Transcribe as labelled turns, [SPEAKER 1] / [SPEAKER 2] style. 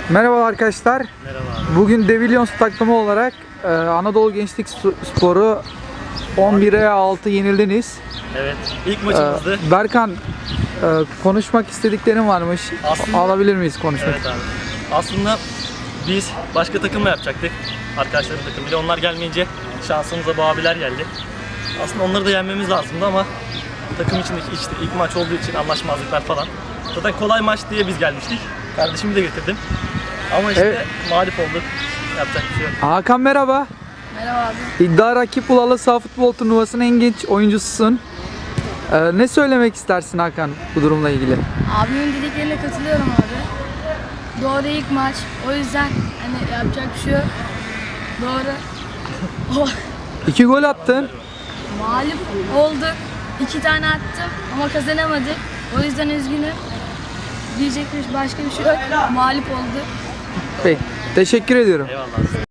[SPEAKER 1] Merhaba arkadaşlar.
[SPEAKER 2] Merhaba abi.
[SPEAKER 1] Bugün Devilions takımı olarak Anadolu Gençlik Sporu 11'e 6 yenildiniz.
[SPEAKER 2] Evet, ilk maçımızdı.
[SPEAKER 1] Berkan, konuşmak istediklerin varmış.
[SPEAKER 2] Aslında-
[SPEAKER 1] Alabilir miyiz konuşmak?
[SPEAKER 2] Evet abi. Aslında biz başka takımla yapacaktık. Arkadaşların takımıyla. Onlar gelmeyince şansımıza bu abiler geldi. Aslında onları da yenmemiz lazımdı ama takım içindeki işte ilk maç olduğu için anlaşmazlıklar falan. Zaten kolay maç diye biz gelmiştik. Kardeşimi de getirdim. Ama işte
[SPEAKER 1] Evet.
[SPEAKER 2] mağlup olduk. Yapacak bir şey yok.
[SPEAKER 1] Hakan merhaba.
[SPEAKER 3] Merhaba abi.
[SPEAKER 1] İddia Rakip Ulalı Sağ Futbol Turnuvası'nın en genç oyuncususun. Ne söylemek istersin Hakan bu durumla ilgili?
[SPEAKER 3] Abimin dediklerine katılıyorum abi. Doğru ilk maç. O yüzden hani yapacak bir şey yok. Doğru.
[SPEAKER 1] 2 gol attın.
[SPEAKER 3] Mağlup olduk. 2 tane attım ama kazanamadık. O yüzden üzgünüm. Diyecek başka bir şey yok. Mağlup olduk.
[SPEAKER 1] Peki, teşekkür ediyorum.
[SPEAKER 2] Eyvallah.